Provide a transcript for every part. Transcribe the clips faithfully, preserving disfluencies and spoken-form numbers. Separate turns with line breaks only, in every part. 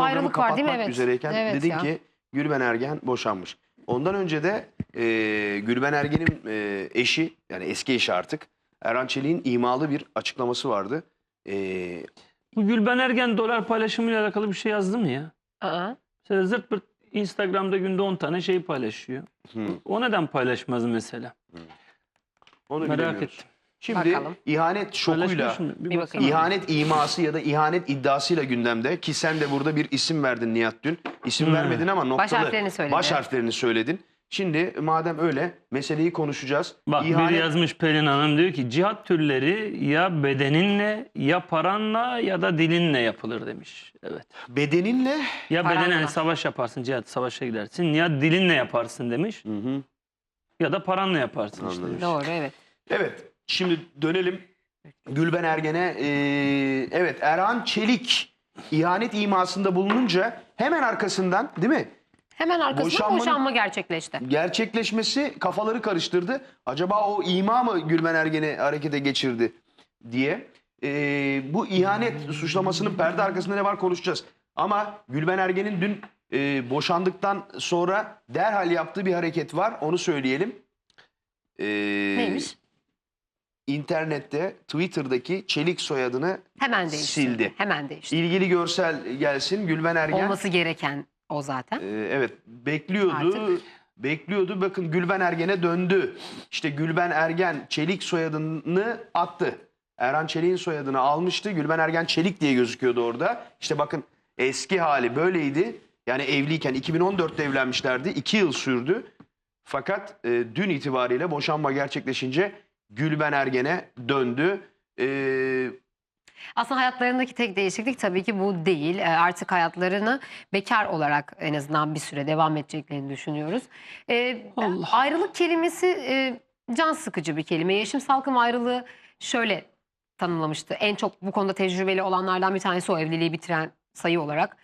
ayrılık var değil mi?
kapatmak
Evet.
üzereyken
Evet
dedin
ya.
ki Gülben Ergen boşanmış. Ondan önce de e, Gülben Ergen'in e, eşi, yani eski eşi artık, Erhan Çelik'in imalı bir açıklaması vardı. E,
Bu Gülben Ergen dolar paylaşımıyla alakalı bir şey yazdı mı ya?
Aa.
Mesela zırt pırt Instagram'da günde on tane şey paylaşıyor.
hı,
O neden paylaşmaz mesela?
onu
Merak
bilemiyoruz.
ettim.
Şimdi
Bakalım.
ihanet şokuyla,
Paylaşmış mı?
Bir
Bir
bakayım.
bakalım.
ihanet iması ya da ihanet iddiasıyla gündemde, ki sen de burada bir isim verdin Nihat dün. İsim
Hmm.
vermedin ama noktalı
harflerini söyledin.
baş harflerini söyledin. Şimdi madem öyle, meseleyi konuşacağız.
Bak
İhanet-
biri yazmış, Pelin Hanım diyor ki cihat türleri ya bedeninle ya paranla ya da dilinle yapılır demiş. Evet.
bedeninle,
Ya
Paranla.
bedenen savaş yaparsın, cihat savaşa gidersin, ya dilinle yaparsın demiş.
hı hı,
Ya da paranla yaparsın işte.
Anladım.
demiş.
Doğru, evet.
evet, şimdi dönelim Gülben Ergen'e. Ee, evet, Erhan Çelik ihanet imasında bulununca hemen arkasından, değil mi,
Hemen arkasında
Boşanmanın-
boşanma gerçekleşti.
gerçekleşmesi kafaları karıştırdı. Acaba o ima mı Gülben Ergen'i harekete geçirdi diye. Ee, bu ihanet suçlamasının perde arkasında ne var konuşacağız. Ama Gülben Ergen'in dün e, boşandıktan sonra derhal yaptığı bir hareket var. Onu söyleyelim. Ee,
Neymiş?
İnternette, Twitter'daki Çelik soyadını
Hemen değiştirdi.
sildi.
Hemen değiştirdi.
İlgili görsel gelsin. Gülben Ergen
Olması gereken o zaten.
Ee, evet, bekliyordu.
Artık.
Bekliyordu. Bakın Gülben Ergen'e döndü. İşte Gülben Ergen Çelik soyadını attı. Erhan Çelik'in soyadını almıştı. Gülben Ergen Çelik diye gözüküyordu orada. İşte bakın, eski hali böyleydi. Yani evliyken iki bin on dörtte evlenmişlerdi. iki yıl sürdü. Fakat e, dün itibariyle boşanma gerçekleşince Gülben Ergen'e döndü. Ee,
Aslında hayatlarındaki tek değişiklik tabii ki bu değil. E, Artık hayatlarını bekar olarak en azından bir süre devam edeceklerini düşünüyoruz. E,
Allah.
Ayrılık kelimesi e, can sıkıcı bir kelime. Yeşim Salkım ayrılığı şöyle tanımlamıştı. En çok bu konuda tecrübeli olanlardan bir tanesi o, evliliği bitiren sayı olarak.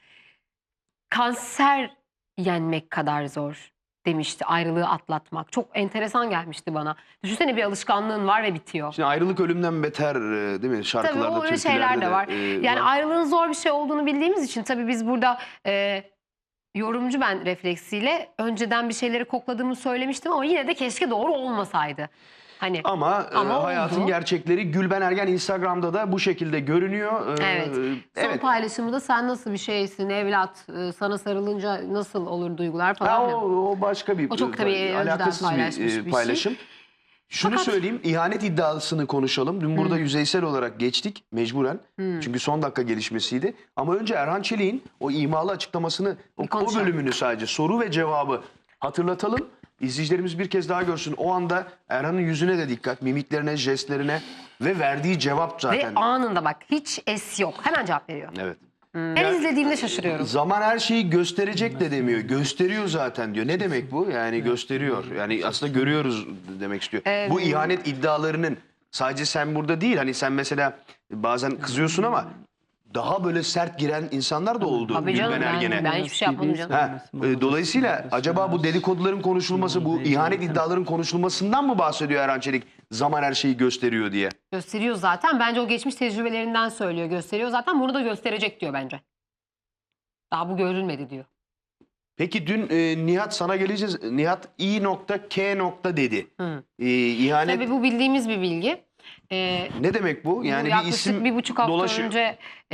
Kanser yenmek kadar zor demişti ayrılığı atlatmak. Çok enteresan gelmişti bana. Düşünsene, bir alışkanlığın var ve bitiyor.
Şimdi ayrılık ölümden beter, e, değil mi? Şarkılarda,
Tabii o öyle
türkülerde
şeyler de var.
e,
Yani ayrılığın zor bir şey olduğunu bildiğimiz için tabii biz burada e, yorumcu ben refleksiyle önceden bir şeyleri kokladığımı söylemiştim ama yine de keşke doğru olmasaydı. Hani
Ama, e,
Ama
hayatın
oldu.
gerçekleri Gülben Ergen Instagram'da da bu şekilde görünüyor. E,
evet. Son
evet.
paylaşımda sen nasıl bir şeysin evlat, e, sana sarılınca nasıl olur duygular falan.
Ha,
filan.
o, o başka bir
O çok tabii
e,
önceden
alakasız
paylaşmış
bir, e,
bir şey.
paylaşım. Şunu
Fakat-
söyleyeyim, ihanet iddiasını konuşalım. Dün burada yüzeysel olarak geçtik mecburen. Çünkü son dakika gelişmesiydi. Ama önce Erhan Çelik'in o imalı açıklamasını, o,
Bir
o
konuşalım.
bölümünü sadece soru ve cevabı hatırlatalım. İzleyicilerimiz bir kez daha görsün. O anda Erhan'ın yüzüne de dikkat, mimiklerine, jestlerine ve verdiği cevap zaten.
Ve anında bak, hiç es yok. Hemen cevap veriyor.
Evet.
Her izlediğimde şaşırıyorum.
Zaman her şeyi gösterecek de demiyor. Gösteriyor zaten diyor. Ne demek bu? Yani gösteriyor. Yani aslında görüyoruz demek istiyor.
Evet.
Bu ihanet iddialarının sadece sen burada değil. Hani sen mesela bazen kızıyorsun ama daha böyle sert giren insanlar da oldu
Tabii canım,
Gülben
ben-
Ergen'e.
ben hiçbir şey yapmadım canım.
Ha, e, dolayısıyla acaba bu dedikoduların konuşulması, bu ihanet iddiaların konuşulmasından mı bahsediyor Erhan Çelik? Zaman her şeyi gösteriyor diye.
Gösteriyor zaten. Bence o geçmiş tecrübelerinden söylüyor. Gösteriyor zaten. Bunu da gösterecek diyor bence. Daha bu görülmedi diyor.
Peki dün e, Nihat, sana geleceğiz. Nihat i nokta k nokta dedi.
Hı.
E, ihanet
Tabii bu bildiğimiz bir bilgi. Ee,
ne demek bu?
bu
Yani bir
yaklaşık
isim
bir buçuk hafta
dolaşıyor.
önce e,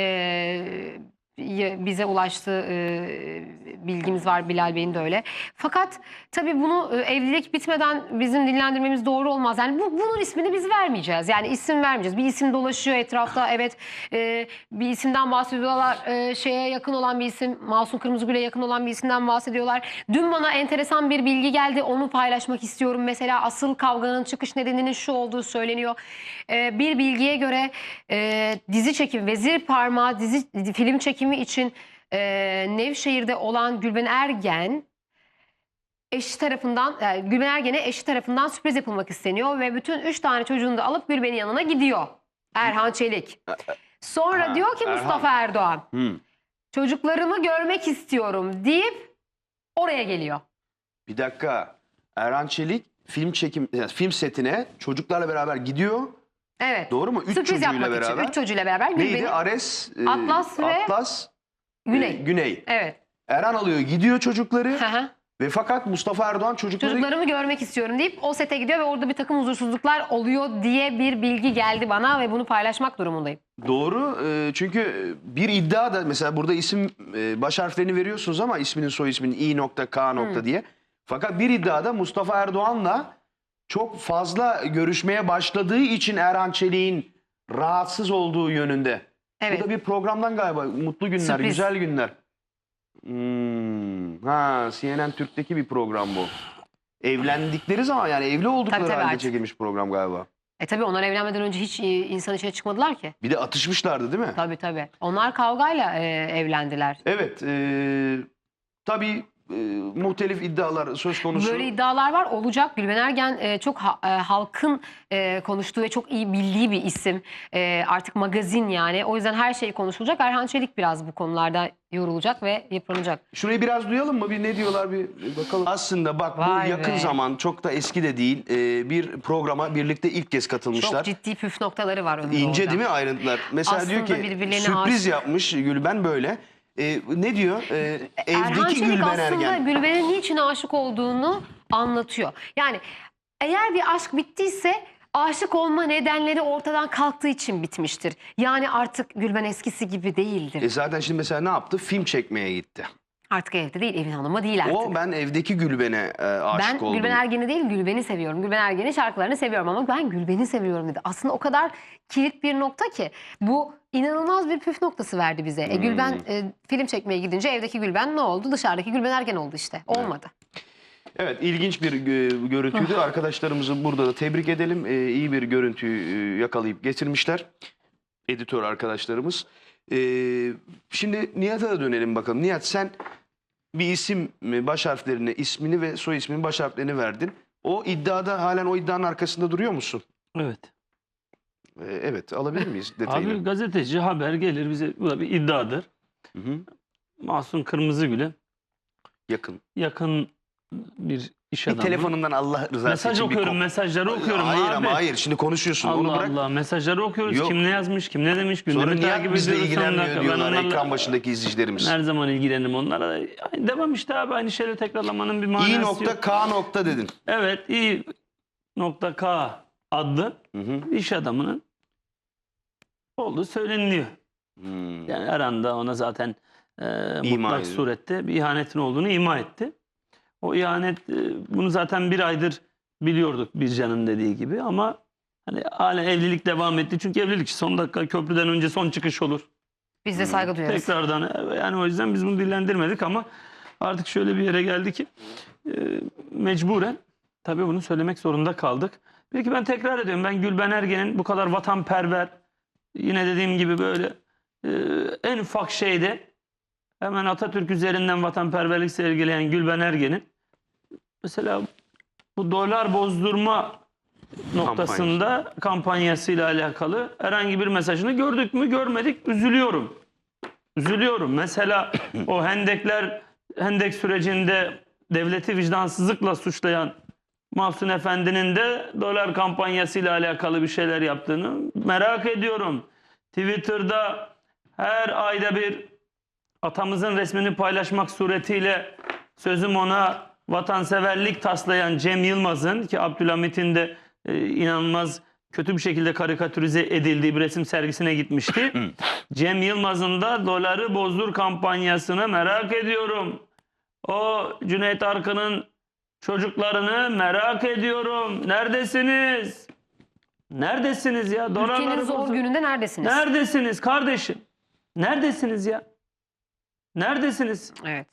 y- bize ulaştı, e, bilgimiz var, Bilal Bey'in de öyle. Fakat tabii bunu e, evlilik bitmeden bizim dillendirmemiz doğru olmaz. Yani bu, bunun ismini biz vermeyeceğiz. Yani isim vermeyeceğiz. Bir isim dolaşıyor etrafta. Evet, e, bir isimden bahsediyorlar. E, şeye yakın olan bir isim, Masum Kırmızıgül'e yakın olan bir isimden bahsediyorlar. Dün bana enteresan bir bilgi geldi. Onu paylaşmak istiyorum. Mesela asıl kavganın çıkış nedeninin şu olduğu söyleniyor. E, bir bilgiye göre e, dizi çekimi, Vezir Parmağı dizi film çekimi için e, Nevşehir'de olan Gülben Ergen eşi tarafından, yani Gülben Ergen'e eşi tarafından sürpriz yapılmak isteniyor ve bütün üç tane çocuğunu da alıp Gülben'in yanına gidiyor. Erhan Çelik. Sonra
Ha,
diyor ki
Erhan.
Mustafa Erdoğan,
Hı.
çocuklarımı görmek istiyorum deyip oraya geliyor.
Bir dakika. Erhan Çelik film çekim yani film setine çocuklarla beraber gidiyor.
Evet.
Doğru mu? Üç
Sürpriz
çocuğuyla
yapmak
beraber.
için. Üç çocuğuyla beraber
Neydi?
Gülben'in
Ares, e,
Atlas ve-
Atlas
Güney.
e, Güney.
Evet.
Erhan alıyor gidiyor çocukları
Hı hı.
ve fakat Mustafa Erdoğan çocukları...
Çocuklarımı görmek istiyorum deyip o sete gidiyor ve orada bir takım huzursuzluklar oluyor diye bir bilgi geldi bana ve bunu paylaşmak durumundayım.
Doğru. e, çünkü bir iddia da mesela burada isim e, baş harflerini veriyorsunuz ama isminin soy isminin i nokta k nokta diye. Fakat bir iddiada Mustafa Erdoğan'la çok fazla görüşmeye başladığı için Erhan Çelik'in rahatsız olduğu yönünde.
Evet.
Bu da bir programdan galiba. Mutlu günler,
Sürpriz.
güzel günler. Hmm. Ha, C N N Türk'teki bir program bu. Evlendikleri zaman yani evli oldukları
Tabii, tabii,
halde
artık.
çekilmiş program galiba.
E tabii onlar evlenmeden önce hiç e, insan içine çıkmadılar ki.
Bir de atışmışlardı değil mi?
Tabii tabii. Onlar kavgayla e, evlendiler.
Evet. E, tabii e, muhtelif iddialar söz konusu.
Böyle iddialar var, olacak. Gülben Ergen e, çok ha- e, halkın e, konuştuğu ve çok iyi bildiği bir isim. E, artık magazin yani. O yüzden her şey konuşulacak. Erhan Çelik biraz bu konularda yorulacak ve yıpranacak.
Şurayı biraz duyalım mı? Bir ne diyorlar bir bakalım. Aslında bak
Vay
bu yakın
be.
zaman çok da eski de değil. e, bir programa birlikte ilk kez katılmışlar.
Çok ciddi püf noktaları var önünde
İnce
orada.
değil mi ayrıntılar? Mesela
Aslında
diyor ki
birbirlerine
sürpriz
aşık.
yapmış Gülben böyle. E, ne diyor? E,
Erhan
evdeki
Çelik
Gülben
aslında
Ergen.
Gülben'in niçin aşık olduğunu anlatıyor. Yani eğer bir aşk bittiyse aşık olma nedenleri ortadan kalktığı için bitmiştir. Yani artık Gülben eskisi gibi değildir.
E zaten şimdi mesela ne yaptı? Film çekmeye gitti.
Artık evde değil, evin hanımı değil artık.
O ben evdeki Gülben'e e, aşık
Ben
oldum.
Gülben Ergen'i değil Gülben'i seviyorum. Gülben Ergen'in şarkılarını seviyorum ama ben Gülben'i seviyorum dedi. Aslında o kadar kilit bir nokta ki bu inanılmaz bir püf noktası verdi bize. E, Gülben e, film çekmeye gidince evdeki Gülben ne oldu? Dışarıdaki Gülben Ergen oldu işte. Olmadı.
Evet, ilginç bir e, görüntüydü. Arkadaşlarımızı burada da tebrik edelim. E, iyi bir görüntüyü e, yakalayıp getirmişler. Editör arkadaşlarımız. E, şimdi Nihat'a da dönelim bakalım. Nihat sen bir isim e, baş harflerini, ismini ve soy isminin baş harflerini verdin. O iddiada halen o iddianın arkasında duruyor musun?
Evet.
E, evet, alabilir miyiz detayını?
Abi gazeteci haber gelir bize, bu da bir iddiadır.
Hı hı.
Mahsun Kırmızıgül'e
Yakın.
yakın bir iş
Bir
adamı.
telefonundan Allah rızası
Mesaj
için bir
okuyorum,
kop-
mesajları okuyorum
Hayır
abi.
ama hayır. Şimdi konuşuyorsun. Onu
Allah
bırak.
Allah, mesajları okuyoruz.
Yok.
Kim ne yazmış, kim ne demiş,
Sonra
gündemi
Nihat
takip
bizle
ediyoruz. Son
ilgilenmiyor
dakika. Ben
diyorlar
onlarla-
ekran başındaki izleyicilerimiz.
Her zaman ilgilenirim onlara. Aynı devam işte abi, aynı şeyleri tekrarlamanın bir manası
İ
yok.
nokta K nokta dedin.
Evet, İ nokta K adlı
Hı hı.
iş adamının olduğu söyleniliyor.
Hmm.
Yani Erhan da ona zaten e, mutlak
ediyor.
surette bir ihanetin olduğunu ima etti. O ihanet, e, bunu zaten bir aydır biliyorduk Bircan'ın dediği gibi ama hani hala evlilik devam etti. Çünkü evlilik son dakika köprüden önce son çıkış olur.
Biz de saygı duyarız.
Tekrardan e, yani o yüzden biz bunu dillendirmedik ama artık şöyle bir yere geldi ki e, mecburen tabii bunu söylemek zorunda kaldık. Peki ben tekrar ediyorum, ben Gülben Ergen'in bu kadar vatanperver, yine dediğim gibi böyle e, en ufak şeyde hemen Atatürk üzerinden vatanperverlik sergileyen Gülben Ergen'in mesela bu dolar bozdurma noktasında kampanyasıyla alakalı herhangi bir mesajını gördük mü görmedik, üzülüyorum. Üzülüyorum. Mesela o hendekler, hendek sürecinde devleti vicdansızlıkla suçlayan Mahsun Efendi'nin de dolar kampanyasıyla alakalı bir şeyler yaptığını merak ediyorum. Twitter'da her ayda bir atamızın resmini paylaşmak suretiyle sözüm ona vatanseverlik taslayan Cem Yılmaz'ın, ki Abdülhamit'in de e, inanılmaz kötü bir şekilde karikatürize edildiği bir resim sergisine gitmişti. Cem Yılmaz'ın da doları bozdur kampanyasını merak ediyorum. O Cüneyt Arkın'ın çocuklarını merak ediyorum. Neredesiniz? Neredesiniz ya?
Ülkenin
Dolarları
zor
bozdur.
gününde neredesiniz?
Neredesiniz kardeşim? Neredesiniz ya? Neredesiniz?
Evet.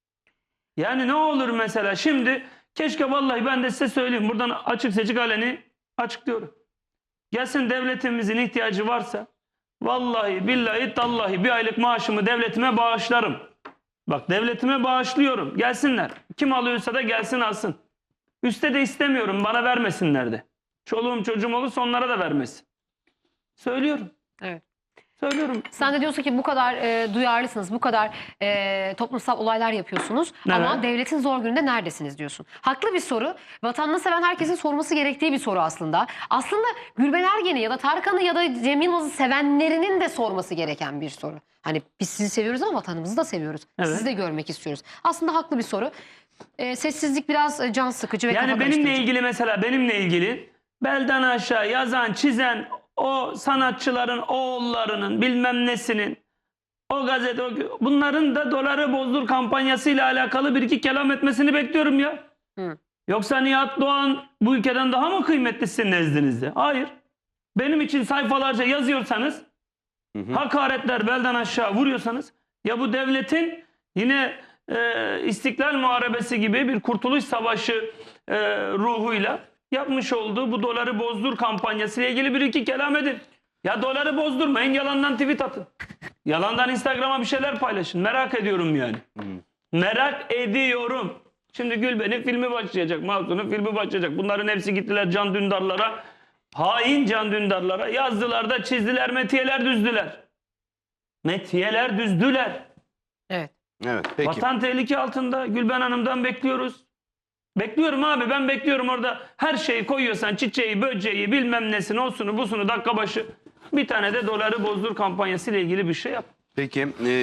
Yani ne olur mesela şimdi, keşke vallahi ben de size söyleyeyim. Buradan açık seçik aleni açıklıyorum. Gelsin, devletimizin ihtiyacı varsa vallahi billahi tallahi bir aylık maaşımı devletime bağışlarım. Bak, devletime bağışlıyorum. Gelsinler. Kim alıyorsa da gelsin alsın. Üste de istemiyorum. Bana vermesinler de. Çoluğum çocuğum olursa onlara da vermesin. Söylüyorum.
Evet.
Söylüyorum.
Sen de diyorsun ki bu kadar e, duyarlısınız, bu kadar e, toplumsal olaylar yapıyorsunuz ama
Evet.
devletin zor gününde neredesiniz diyorsun. Haklı bir soru. Vatanını seven herkesin sorması gerektiği bir soru aslında. Aslında Gülben Ergen'i ya da Tarkan'ı ya da Cem Yılmaz'ı sevenlerinin de sorması gereken bir soru. Hani biz sizi seviyoruz ama vatanımızı da seviyoruz.
Evet.
Sizi de görmek istiyoruz. Aslında haklı bir soru. E, sessizlik biraz e, can sıkıcı ve
Yani
kafa
benimle
karıştırıcı.
ilgili mesela benimle ilgili belden aşağı yazan, çizen o sanatçıların oğullarının bilmem nesinin o gazete o, bunların da doları bozdur kampanyasıyla alakalı bir iki kelam etmesini bekliyorum ya.
Hı.
Yoksa Nihat Doğan bu ülkeden daha mı kıymetli sizin nezdinizde? Hayır. Benim için sayfalarca yazıyorsanız, hakaretler belden aşağı vuruyorsanız, ya bu devletin yine e, İstiklal Muharebesi gibi bir kurtuluş savaşı e, ruhuyla yapmış olduğu bu doları bozdur kampanyası ile ilgili bir iki kelam edin. Ya doları bozdurmayın, yalandan tweet atın. Yalandan Instagram'a bir şeyler paylaşın. Merak ediyorum yani. Merak ediyorum. Şimdi Gülben'in filmi başlayacak, Mahsun'un filmi başlayacak. Bunların hepsi gittiler Can Dündar'lara, hain Can Dündar'lara yazdılar da çizdiler, metiyeler düzdüler. Metiyeler düzdüler.
Evet.
Evet peki.
Vatan tehlike altında. Gülben Hanım'dan bekliyoruz. Bekliyorum abi, ben bekliyorum orada. Her şeyi koyuyorsan, çiçeği, böceği, bilmem nesini, osunu, busunu dakika başı. Bir tane de doları bozdur kampanyası ile ilgili bir şey yap.
Peki. e,